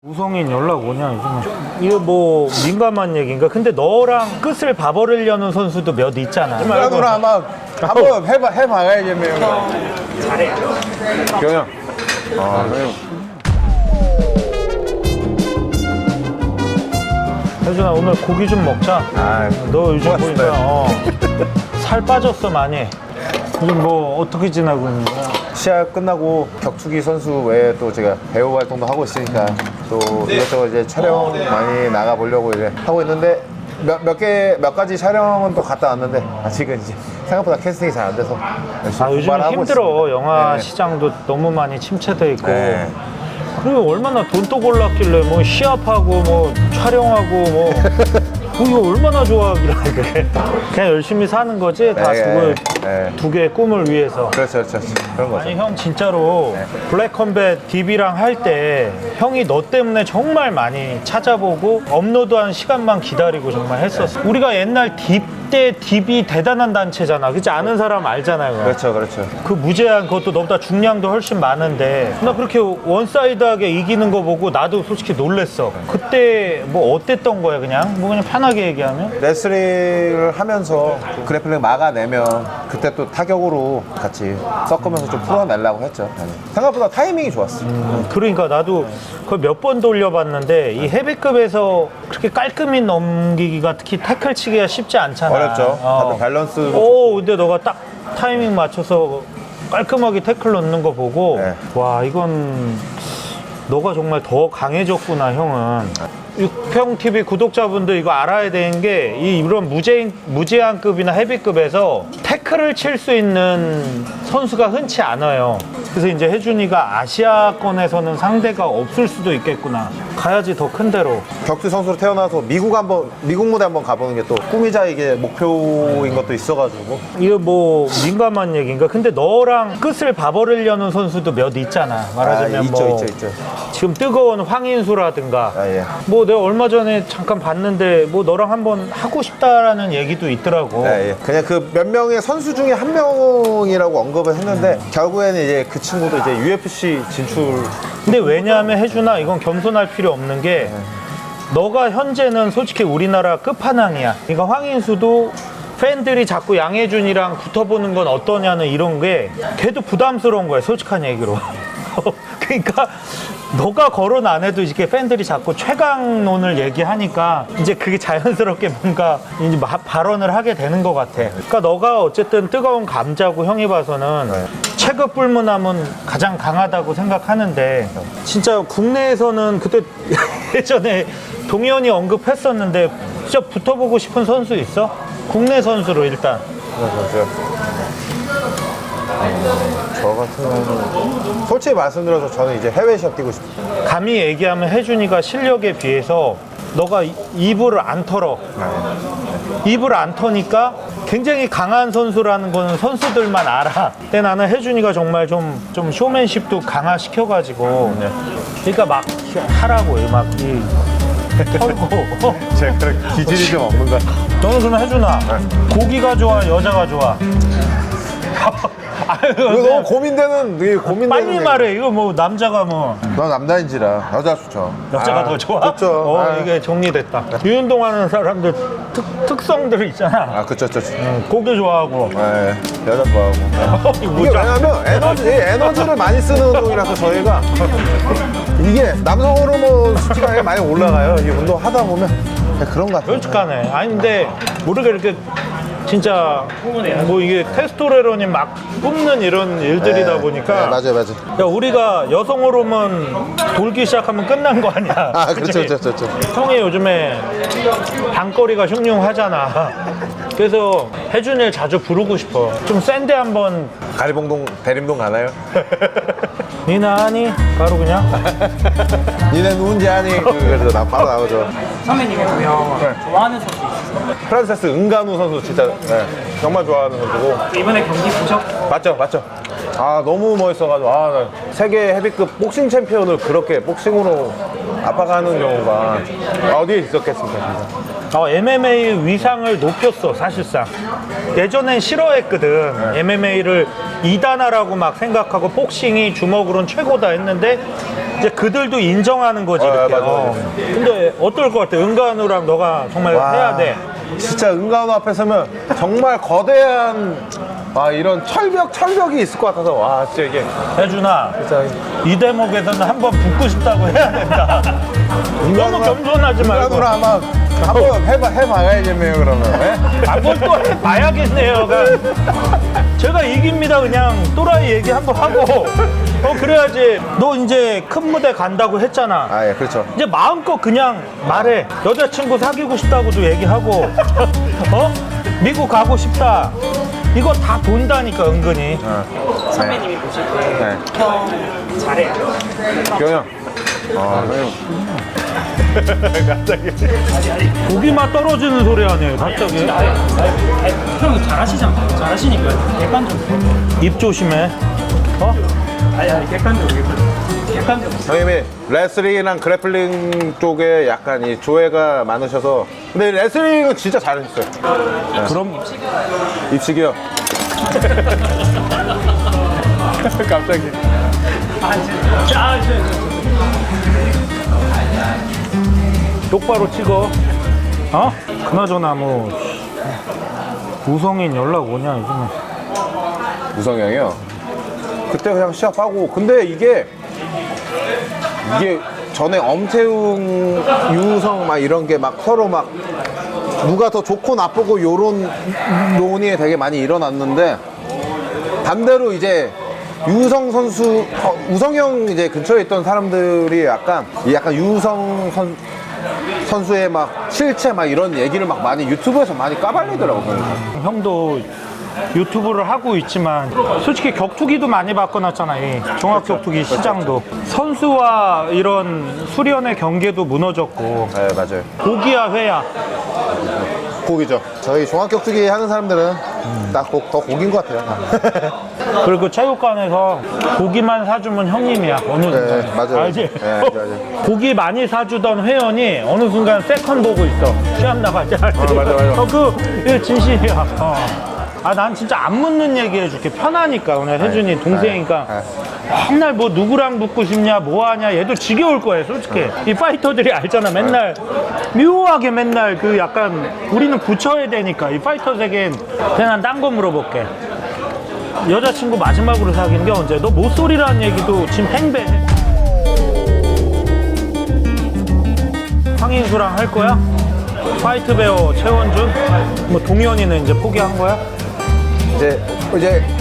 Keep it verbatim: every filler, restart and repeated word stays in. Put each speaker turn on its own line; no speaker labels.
우성인 연락 오냐 요즘에. 이거 뭐 민감한 얘기인가? 근데 너랑 끝을 봐버리려는 선수도 몇 있잖아.
나도 아마 한번 해봐, 해봐야겠네요.
잘해.
경영. 아, 형님.
혜준아 오늘 고기 좀 먹자.
아,
너 요즘
고맙습니다.
보니까 어, 살 빠졌어 많이. 요즘 뭐 어떻게 지나고 있는 거야?
시합 끝나고 격투기 선수 외에 또 제가 배우 활동도 하고 있으니까 또 이것저것 이제 촬영 많이 나가보려고 이제 하고 있는데 몇, 몇 개, 몇 가지 촬영은 또 갔다 왔는데 아직은 이제 생각보다 캐스팅이 잘 안 돼서 열심히
아 요즘
공부를 하고
힘들어.
있습니다.
영화
네.
시장도 너무 많이 침체돼 있고.
네.
그리고 얼마나 돈도 골랐길래 뭐 시합하고 뭐 촬영하고 뭐, 뭐 이거 얼마나 좋아하길래 그래. 그냥 열심히 사는 거지. 다
네,
두,
네.
두 개의 꿈을 위해서.
그렇죠, 그렇죠. 그런 거죠.
아니 형 진짜로
네.
블랙 컴뱃 디비랑 할 때 형이 너 때문에 정말 많이 찾아보고 업로드한 시간만 기다리고 정말 했었어. 우리가 옛날 딥 때 디비 대단한 단체잖아. 그치? 아는 사람 알잖아요. 그거.
그렇죠, 그렇죠.
그 무제한 그것도 너보다 중량도 훨씬 많은데 나 그렇게 원사이드하게 이기는 거 보고 나도 솔직히 놀랬어. 그때 뭐 어땠던 거야 그냥? 뭐 그냥 편하게 얘기하면?
레슬링을 하면서 그래플링 막아내면 그때 또 타격으로 같이 섞으면서 좀 풀어내려고 했죠. 생각보다 타이밍이 좋았어요.
그러니까 나도 그걸 몇 번 돌려봤는데 이 헤비급에서 그렇게 깔끔히 넘기기가 특히 태클 치기가 쉽지 않잖아.
어렵죠.
어.
다들 밸런스도
오, 근데 너가 딱 타이밍 맞춰서 깔끔하게 태클 넣는 거 보고
네.
와 이건 너가 정말 더 강해졌구나 형은. 육평티비 구독자분들 이거 알아야 되는 게 이 이런 무제, 무제한급이나 헤비급에서 태클을 칠 수 있는 선수가 흔치 않아요. 그래서 이제 혜준이가 아시아권에서는 상대가 없을 수도 있겠구나. 가야지 더 큰 데로.
격투 선수로 태어나서 미국 한번 미국 무대 한번 가보는 게 또 꿈이자 이게 목표인 것도 있어가지고
이거 뭐 민감한 얘기인가? 근데 너랑 끝을 봐버리려는 선수도 몇 있잖아. 말하자면
아, 있죠,
뭐
있죠, 있죠.
지금 뜨거운 황인수라든가
아, 예.
뭐 내가 얼마 전에 잠깐 봤는데 뭐 너랑 한번 하고 싶다라는 얘기도 있더라고.
네, 예. 그냥 그 몇 명의 선수 중에 한 명이라고 언급을 했는데 결국에는 이제 그 친구도 이제 유에프씨 진출.
근데 왜냐하면 혜준아 이건 겸손할 필요 없는 게 너가 현재는 솔직히 우리나라 끝판왕이야. 그러니까 황인수도 팬들이 자꾸 양혜준이랑 붙어보는 건 어떠냐는 이런 게 걔도 부담스러운 거야 솔직한 얘기로. 그러니까 너가 거론 안 해도 이렇게 팬들이 자꾸 최강론을 얘기하니까 이제 그게 자연스럽게 뭔가 이제 마- 발언을 하게 되는 것 같아. 그러니까 너가 어쨌든 뜨거운 감자고 형이 봐서는
네.
체급 불문함은 가장 강하다고 생각하는데 진짜 국내에서는 그때 예전에 동현이 언급했었는데 진짜 붙어보고 싶은 선수 있어? 국내 선수로 일단.
그렇죠. 저 같은 경우는 솔직히 말씀드려서 저는 이제 해외 시합 뛰고 싶어요.
감히 얘기하면 혜준이가 실력에 비해서 너가 이- 입을 안 털어. 입을 안 터니까 굉장히 강한 선수라는 거는 선수들만 알아. 근데 나는 혜준이가 정말 좀, 좀 쇼맨십도 강화시켜가지고. 그러니까 막 하라고, 막 이, 털고.
제가 그런 기질이 좀 없는 것 같아요.
너는 그러면 혜준아, 고기가 좋아, 여자가 좋아? 아유,
이거 너무 고민되는, 이게 고민되는.
빨리
얘기.
말해. 이거 뭐 남자가 뭐.
넌 남자인지라 여자 좋죠.
여자가
아,
더 좋아?
그렇죠.
어,
아,
이게 정리됐다. 유운동하는 사람들 특, 특성들 있잖아.
아, 그쵸, 그쵸.
응, 고기 좋아하고.
네, 여자 좋아하고.
이거
이게
뭐야?
왜냐면 에너지, 에너지를 많이 쓰는 운동이라서 저희가 이게 남성 호르몬 수치가 많이 올라가요. 이 운동 하다 보면 그런 것 같아요.
솔직하네. 아니 근데 모르게 이렇게 진짜 뭐 이게 테스토스테론이 막 뿜는 이런 일들이다
네,
보니까
네, 맞아요, 맞아요.
야 우리가 여성 호르몬 돌기 시작하면 끝난 거 아니야.
아, 그렇죠,
그치?
그렇죠, 그렇죠.
형이 요즘에 방거리가 흉흉하잖아. 그래서 혜준이를 자주 부르고 싶어. 좀 센데 한번
가리봉동, 대림동 가나요?
니나 하니? 바로 그냥
니네 누군지 아니? 그래서 나 바로 나오죠.
선배님이 보면 좋아하는 선수 있으세요?
프란세스 은간우 선수 진짜 네, 정말 좋아하는 선수고.
이번에 경기 보셨고
맞죠, 맞죠. 아 너무 멋있어가지고 아, 나 세계 헤비급 복싱 챔피언을 그렇게 복싱으로 아빠가 하는 경우가 어디에 있었겠습니까, 진짜.
어, 엠엠에이 위상을 높였어, 사실상. 예전엔 싫어했거든. 엠엠에이를 이단화라고 막 생각하고 복싱이 주먹으로는 최고다 했는데 이제 그들도 인정하는 거지.
어,
이렇게.
맞아, 맞아.
어. 근데 어떨 것 같아? 은간우랑 너가 정말
와,
해야 돼.
진짜 은간우 앞에 서면 정말 거대한 아, 이런 철벽, 철벽이 있을 것 같아서 와, 진짜 이게
혜준아,
진짜
이 대목에서는 한번 붙고 싶다고 해야 된다. 너무 겸손하지 말고.
은간우를 아마 한번 해봐, 해봐야겠네요, 그러면. 네?
한번 또 해봐야겠네요. 그러니까 제가 이깁니다. 그냥 또라이 얘기 한번 하고. 어, 그래야지. 너 이제 큰 무대 간다고 했잖아.
아, 예, 그렇죠.
이제 마음껏 그냥 말해. 여자친구 사귀고 싶다고도 얘기하고, 어? 미국 가고 싶다. 이거 다 돈다니까, 은근히.
어.
선배님이 보실 때
네.
형 잘해요.
경영. 아, 형님. 갑자기.
고기만 떨어지는 소리 하네, 갑자기.
형 잘하시잖아요. 잘하시니까요. 객관적으로.
입 조심해. 어?
아니 아니 객관적으로. 객관적으로.
형님이 레슬링이랑 그래플링 쪽에 약간 이 조예가 많으셔서 근데 레슬링은 진짜 잘하셨어요.
그럼
입식이요. 갑자기.
아 진짜. 아 진짜.
똑바로 찍어. 어? 그나저나 뭐 우성인 연락 오냐 요즘에.
우성이 형이요. 그때 그냥 시합하고 근데 이게 이게 전에 엄태웅, 유우성 막 이런 게 막 서로 막 누가 더 좋고 나쁘고 요런 논의 되게 많이 일어났는데 반대로 이제 유우성 선수, 어, 우성이 형 이제 근처에 있던 사람들이 약간 이 약간 유우성 선, 선수의 막 실체 막 이런 얘기를 막 많이 유튜브에서 많이 까발리더라고요. 그러니까.
형도 유튜브를 하고 있지만 솔직히 격투기도 많이 바꿔놨잖아. 이 종합 격투기 시장도 선수와 이런 수련의 경계도 무너졌고
네, 맞아요.
고기야 회야.
고기죠. 저희 종합격투기 하는 사람들은 딱 더 고기인 것 같아요.
그리고 체육관에서 고기만 사주면 형님이야 어느 순간.
네, 맞아요.
알지?
네, 맞아요.
고기 많이 사주던 회원이 어느 순간 세컨 보고 있어. 시합 나가자.
맞아, 맞아.
어, 그 이거 진심이야. 어. 아, 난 진짜 안 묻는 얘기 해줄게. 편하니까. 오늘 혜준이 동생이니까.
네.
맨날 뭐 누구랑 붙고 싶냐, 뭐 하냐. 얘도 지겨울 거야, 솔직히. 이 파이터들이 알잖아. 맨날 묘하게 맨날 그 약간 우리는 붙여야 되니까. 이 파이터 세계엔 그냥 딴 거 물어볼게. 여자친구 마지막으로 사귄 게 언제? 너 모쏠이라는 얘기도 지금 팽배해. 황인수랑 할 거야? 파이트 배우 최원준? 뭐 동현이는 이제 포기한 거야?
이제 이제